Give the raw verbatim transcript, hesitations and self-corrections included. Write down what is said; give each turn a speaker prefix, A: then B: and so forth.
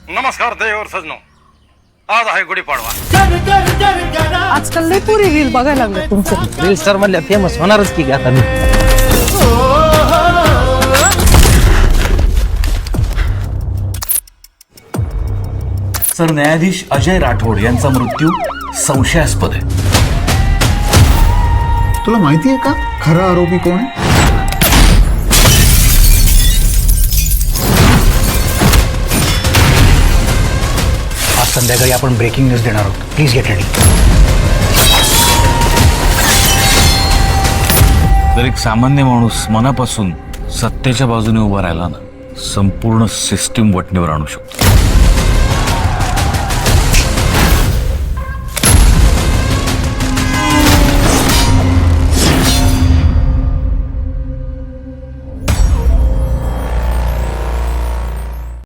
A: नमस्कार देवर सजनो, आज आहे गुढीपाडवा.
B: आजकाल लई पुरी रील बघायला लागले तुमचं.
C: रील स्टार मधल्या फेमस होणारच की आता मी.
D: सर न्यायाधीश अजय राठोड यांचा मृत्यू संशयास्पद आहे.
E: तुला माहिती आहे का खरा आरोपी कोण आहे?
F: आज संध्याकाळी आपण ब्रेकिंग न्यूज देणार आहोत. Please get ready.
D: जर एक सामान्य माणूस मनापासून सत्तेच्या बाजूने उभा राहिला ना, संपूर्ण सिस्टीम वटणीवर आणू शकतो.